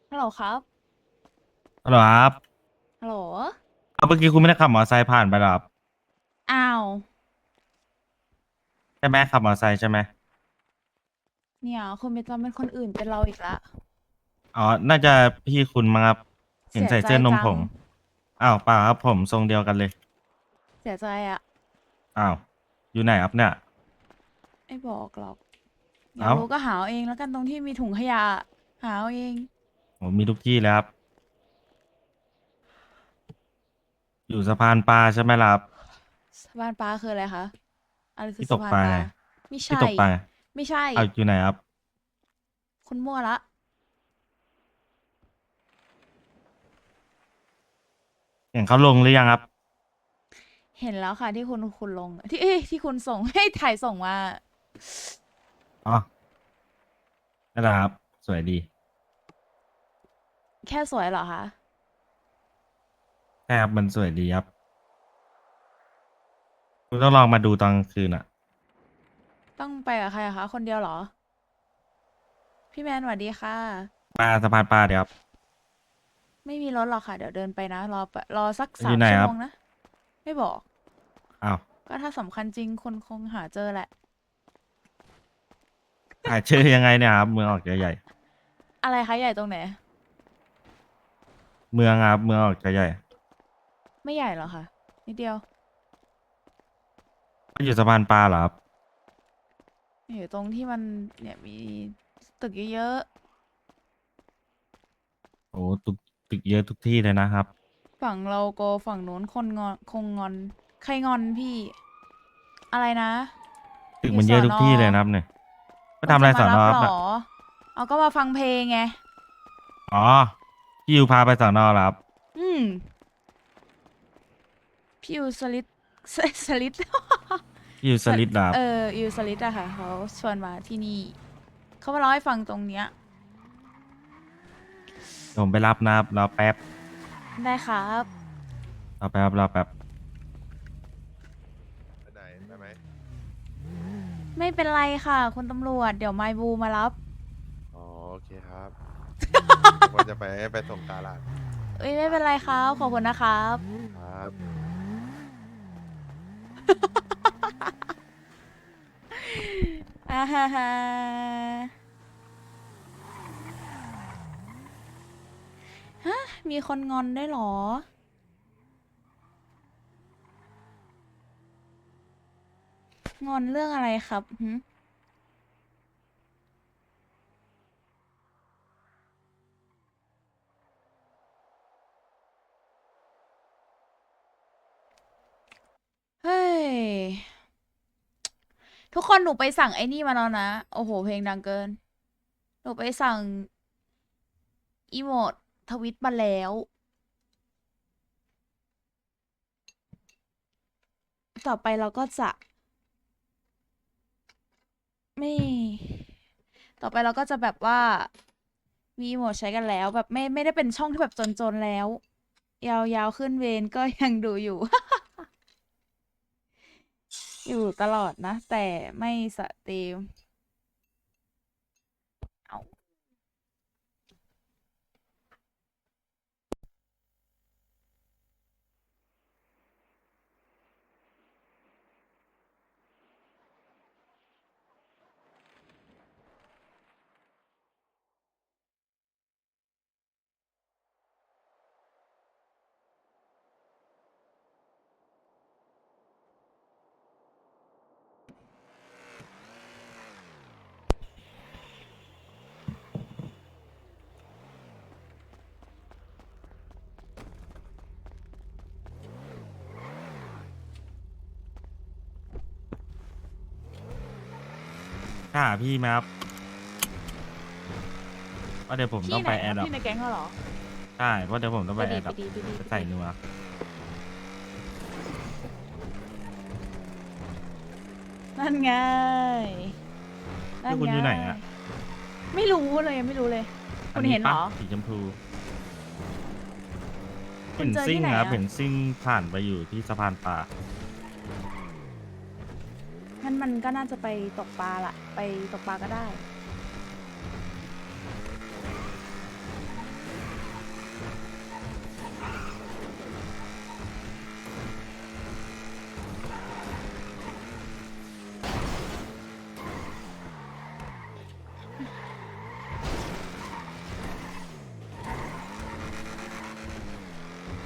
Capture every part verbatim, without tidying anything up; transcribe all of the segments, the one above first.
ฮัลโหลครับฮัลโหลครับฮัลโหลเอาเมื่อกี้คุณไม่ได้ขับมอเตอร์ไซค์ผ่านไปหรอครับอ้าวใช่ไหมขับมอเตอร์ไซค์ใช่ไหมเนี่ยคุณไปจำเป็นคนอื่นเป็นเราอีกละอ๋อน่าจะพี่คุณมั้งครับเห็นเสียใจใส่เสื้อนมจังผงอ้าวเปล่าครับผมทรงเดียวกันเลยเสียใจอะอ้าวอยู่ไหนครับเนี่ยไม่บอกหรอกอยากเอ้ารู้ก็หาเอาเองแล้วกันตรงที่มีถุงขยะหาเอาเองผมมีทุกที่แล้วครับอยู่สะพานปลาใช่ไหมล่ะครับสะพานปลาคืออะไรคะอะไรคือที่ตกปลาไงสะพานปลาไม่ใช่ที่ตกปลาไงไม่ใช่เอาอยู่ไหนครับคุณมั่วละเห็นเขาลงหรือยังครับเห็นแล้วค่ะที่คุณคุณลงที่เอ้ยที่คุณส่งให้ถ่ายส่งมาอ๋อนั่นแหละครับสวยดีแค่สวยเหรอคะใช่ครับมันสวยดีครับคุณต้องลองมาดูตอนกลางคืนอ่ะต้องไปกับใครอะคะคนเดียวเหรอพี่แมนสวัสดีค่ะปลาสะพานปลาเดี๋ยวครับไม่มีรถหรอกค่ะเดี๋ยวเดินไปนะรอปะรอสักสามอยู่ไหนครับชั่วโมงนะไม่บอกอ้าวก็ถ้าสำคัญจริงคนคงหาเจอแหละหาเจอยังไงเนี่ยครับเมืองออกจะใหญ่อะไรคะใหญ่ตรงไหนเมืองครับเมืองออกจะใหญ่ไม่ใหญ่หรอกค่ะนิดเดียวมันอยู่สะพานปลาเหรอครับอยู่ตรงที่มันเนี่ยมีตึกเยอะโอ้ตึกตึกเยอะทุกที่เลยนะครับๆฝั่งเราโกฝั่งนู้นคนงอนคงงอนใครงอนพี่อะไรนะตึกอยู่สอนอมันเยอะทุกที่เลยนะครับเนี่ยไปคุณจะทำอะไรสอนมารับหรออครับน่ะเอาก็มาฟังเพลงไงอ๋อพี่ยูพาไปสอนอเหรอครับอืมพี่ยูสลิดสสลิดพี่ยูสสลิลิดเหรอครับเออยูสลิดอะค่ะเขาชวนมาที่นี่เขามาเล่าให้ฟังตรงเนี้ยเดี๋ยวผมไปรับนะครับรอแป๊บได้ครับรอแป๊บรอแป๊บไปไหนไปไหมไม่เป็นไรค่ะคุณตำรวจเดี๋ยวไมบูมารับอ๋อโอเคครับว่าจะไปไปส่งตลาดเอ้ยไม่เป็นไรครับขอบคุณนะครับครับอ่าฮ่าฮ่าฮะมีคนงอนได้วยเหรอ งอนเรื่องอะไรครับหึเฮ้ยทุกคนหนูไปสั่งไอ้นี่มาแล้วนะโอ้โหเพลงดังเกินหนูไปสั่งอีโมดทวิตมาแล้วต่อไปเราก็จะไม่ ต่อไปเราก็จะแบบว่ามีโหมดใช้กันแล้วแบบไม่ไม่ได้เป็นช่องที่แบบจนๆแล้วยาวๆขึ้นเวนก็ยังดูอยู่ อยู่ตลอดนะแต่ไม่สตรีมเอาถ้าหาพี่ไหมครับว่าะเดี๋ยวผมต้องพี่ไหนไปแอร์ดรอปครับพี่ในแก๊งเขาเหรอใช่เพราะเดี๋ยวผมต้องไปดีไปแอร์ดรอปไปดีไปดีจะไปดีใส่นัวนั่นไงนั่ที่นไงคุณอยู่ไหนอ่ะไม่รู้เลยยังไม่รู้เลยอันนี้ปะคุณเห็นเหรอสีชมพูเห็นคุณเจอซิ่งครับที่ไหนอะเห็นซิ่งผ่านไปอยู่ที่สะพานปลางั้นมันก็น่าจะไปตกปลาละไปตกปลาก็ได้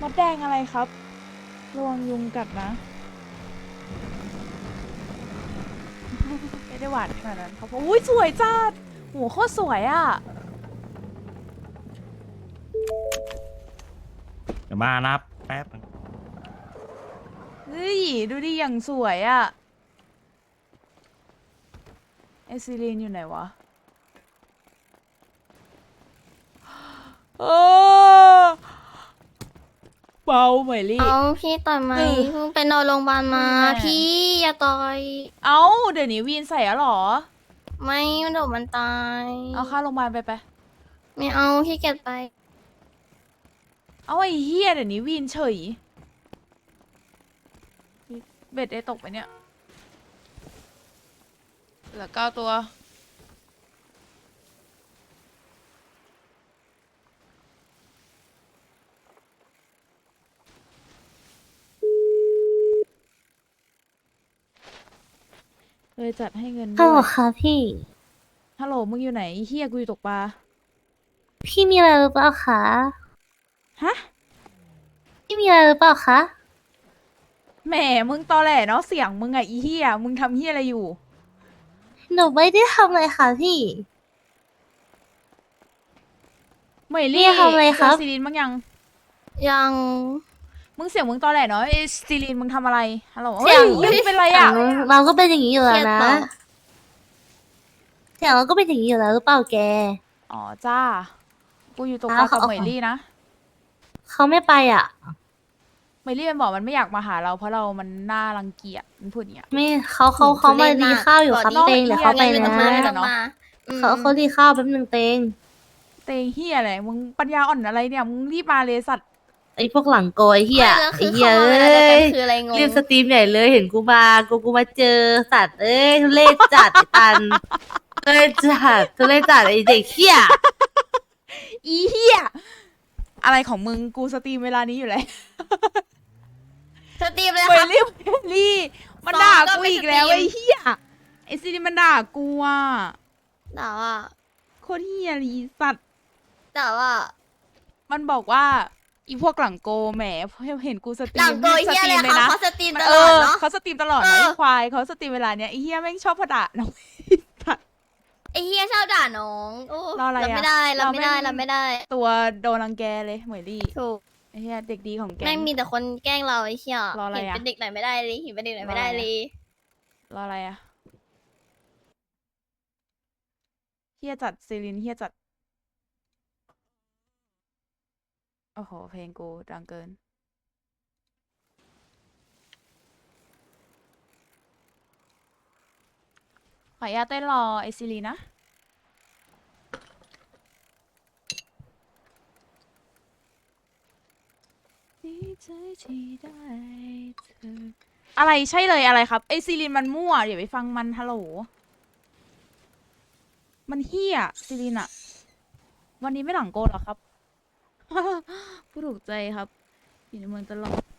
มดแดงอะไรครับระวังยุงกัดนะ ไม่ได้หวานขนาดนั้นครับอุ้ยสวยจัดโหโคตรสวยอ่ะเดี๋ยวมานะครับแป๊บนึงเฮ้ย ดูดิอย่างสวยอ่ะไอซิลีนอยู่ไหนวะโอ้เบาเหมยลี่เอาพี่ต่อยไหมเออเพิ่งไปนอนโรงพยาบาลมาแม่พี่อย่าต่อยเอ้า เดี๋ยวนี้วีนใส่แล้วเหรอไม่มันเดี๋ยวมันตายเอาค่าโรงพยาบาลไปไปไม่เอาขี้เกียจไปเอาไอ้เฮียเดี๋ยวนี้วีนเฉย เบ็ดได้ตกไปเนี่ย เหลือเก้าตัว เลยจัดให้เงินฮัด้ลโหลวยค่ะพี่ฮัลโหล มึงอยู่ไหนไอ้เฮียกูอยู่ตกปลาพี่มีอะไรหรือเปล่าคะฮะพี่มีอะไรหรือเปล่าคะแหม มึงตอแหลเนาะเสียงมึงอะอีเฮียมึงทำเฮียอะไรอยู่หนูไม่ได้ทำอะไรค่ะพี่เหมยพี่ลี่ทำอะไรครับเจอซีรีนบ้างยังยังมึงเสียงมึงตอแหลเนาะไอ้ซีรีนมึงทำอะไร ฮัลโหลเสียงเฮ้ยมึงเป็นไรเสียอะงเราก็เป็นอย่างนี้อยู่เคแล้รีวยดนะเปล่าเสียงเราก็เป็นอย่างนี้อยู่แล้วหรือเปล่าแกอ๋อจ้า กูอยู่ตกปอ้าลาว กับเขาเหมยลี่นะเขาไม่ไปอ่ะเหมยลี่มันบอกมันไม่อยากมาหาเราเพราะเรามันน่ารังเกียจมันพูดอย่างเงี้ยไม่เขาเขาเขามาดีข้าวอยู่ครับนอกเตงเดี๋ยวเขาไปเหี้ยนะเงินมันไม่เดืต้องมาอืมเขาเขาดีข้าวแป๊บนึงเตงเตงเฮียอะไรมึงปัญญาอ่อนอะไรเนี่ย มึงรีบมาเลยสัตว์ไอ้พวกหลังโกยเฮียไม่แล้วไอ้คือเฮียเขามาเอ้เวลาเดียวกันยคืออะไรงงรีบสตรีมใหญ่เลยเห็นกูมากูกูมาเจอสัตว์เอ้ยทุเรศจัดไอ้ตันทุเรศจัดทุเรศจัดไอ้เด็กเฮียอีเฮียอะไรของมึงกูสตรีมเวลานี้อยู่แล้วสตรีมเลยเหมครัยบลี่เหมยลี่มันด่ากูอีกแล้วไอ้เฮียไอ้ซีรีนมันด่ากูอ่ะแต่ว่าโคตรเฮียลีสัตว์แต่ว่ามันบอกว่าอีพวกหลังโกแหมเห็นกูสตรีหลังมโกยสเฮียตเลรียมเลคยรับนะเขาสตรีมตเอลอดอเนาะเขาสตรีมตลอดเอนะอไอ้ควายเขาสตรีมเวลาเนี้ยไอ้เฮียแม่งชอบพอด่าน้อง สัตว์ไอเฮียชอบด่าน้องโอ้รออะไรอะไม่ได้เราไม่ได้เราเราไม่ไม่ได้ตัวโดนรังแกเลยเหมยลี่ถูกไอ้เฮียเด็กดีของแกแม่งมีแต่คนแกล้งเราไอ้เฮียรออะไรเห็นอะเป็นเด็กไหนไม่ได้เลยเห็นเป็นเด็กไหนไม่ได้รออะไรอะเลยรออะไรอะเฮียจัดซีรินเฮียจัดโอ้โหเพลงกูดังเกิน ขออนุญาตเต้นรอไอซีรีนะ ดีใจที่ได้เธออะไรใช่เลยอะไรครับ ไอซีรีนมันมั่วอย่าไปฟังมันฮัลโหล มันเฮี้ยซีรีนอะวันนี้ไม่หลังโกนเหรอครับ ผู้ถูกใจครับ อยู่ในเมืองตลอด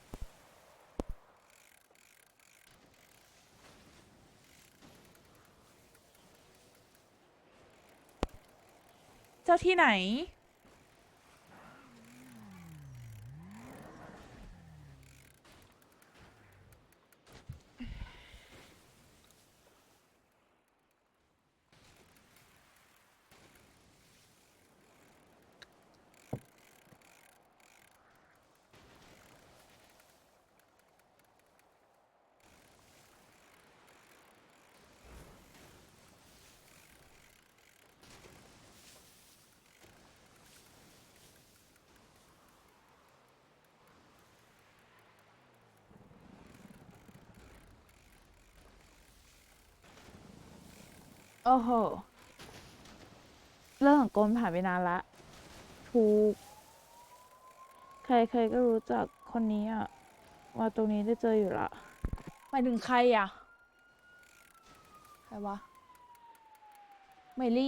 เจ้าที่ไหน โอ้โห เรื่องของโกนผ่านไปนานละถูก ใครๆก็รู้จักคนนี้อ่ะมาตรงนี้ได้เจออยู่ละหมายถึงใครอ่ะ ใครวะเมลี่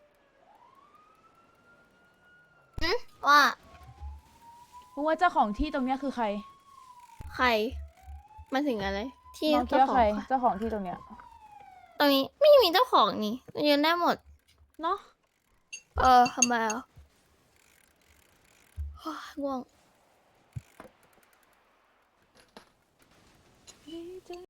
ว่ามึงว่าเจ้าของที่ตรงเนี้ยคือใครใครมาถึงอะไร ที่น้องคิดเจ้าว่าขอใครงเจ้าของที่ตรงเนี้ยตรงนี้ไม่มีเจ้าของนี่ยืนได้หมดเนาะเออทำไมอ่ะโอ้ยง่วง